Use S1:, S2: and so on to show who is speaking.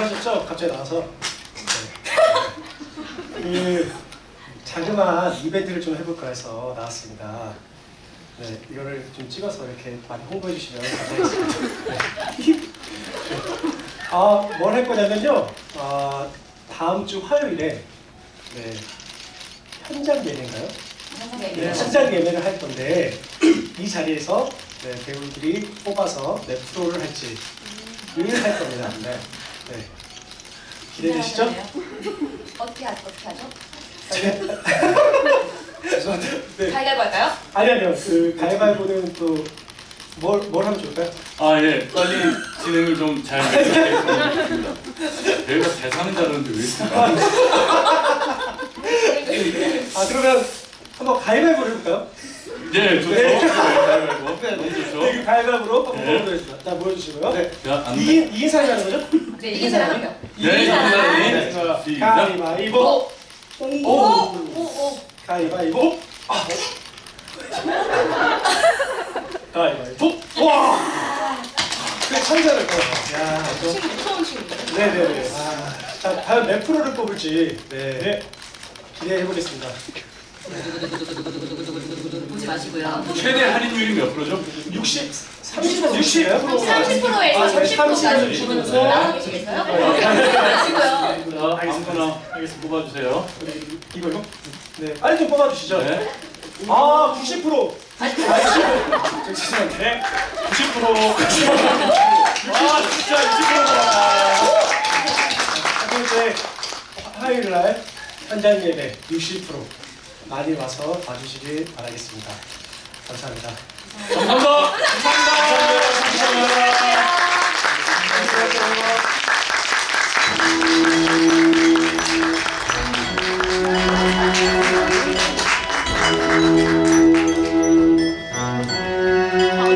S1: 놀라셨죠? 갑자기 나와서. 네. 그 자그마한 이벤트를 좀 해볼까 해서 나왔습니다. 네, 이거를 좀 찍어서 이렇게 많이 홍보해 주시면 감사하겠습니다. 네. 뭘 할 거냐면요. 다음 주 화요일에 네, 현장 예매인가요? 네, 현장 예매를 할 건데 이 자리에서 네, 배우들이 뽑아서 네, 프로를 할지 할 겁니다. 네. 네. 기대되시죠?
S2: 어떻게 하죠?
S1: 죄송한데. 네.
S2: 가위바위보 할까요?
S1: 아니요. 그 가위바위보는 또 뭘 하면 좋을까요?
S3: 아 예, 빨리 진행을 좀 잘 해주셨으면 좋겠습니다. 저희가 잘 사는 줄 알았는데 왜 이렇게
S1: 그러면 한번 가위바위보를 해볼까요?
S3: 네, 좋죠.
S1: 네.
S3: 가위바위보. 너무 좋죠.
S1: 네, 그 가위바위보로 한번
S3: 네.
S1: 보여주겠습니다. 자, 보여주시고요. 네.
S3: 자, 안 돼.
S1: 이긴 사람이 하는 거죠?
S2: 네, 이긴 사람 한 명.
S3: 네,
S1: 이긴 사람이. 네,
S3: 시작.
S1: 가위바위보.
S2: 오.
S1: 가위바위보. 가위바위보. 와. 그래 참 잘할 거예요. 야,
S2: 친구 무서운 친구.
S1: 네네네. 자, 과연 몇 프로를 뽑을지 네. 기대해 보겠습니다.
S2: 보지 마시고요.
S3: 최대 할인율이 몇 프로죠?
S1: 60, 30에서 60이에요?
S2: 30%에서 30%까지
S1: 네.
S2: 주문서 나눠 계시겠어요? 보지 마시고요.
S3: 자, 아무거나 뽑아주세요.
S1: 이거요? 네. 빨리 좀 뽑아주시죠.
S3: 네.
S1: 90%.
S3: 죄송한데 90%. 진짜 20%다.
S1: 첫 번째 화요일 날 현장 예배 60% 많이 와서 봐주시길 바라겠습니다. 감사합니다.
S3: 감사합니다.
S1: 감사합니다.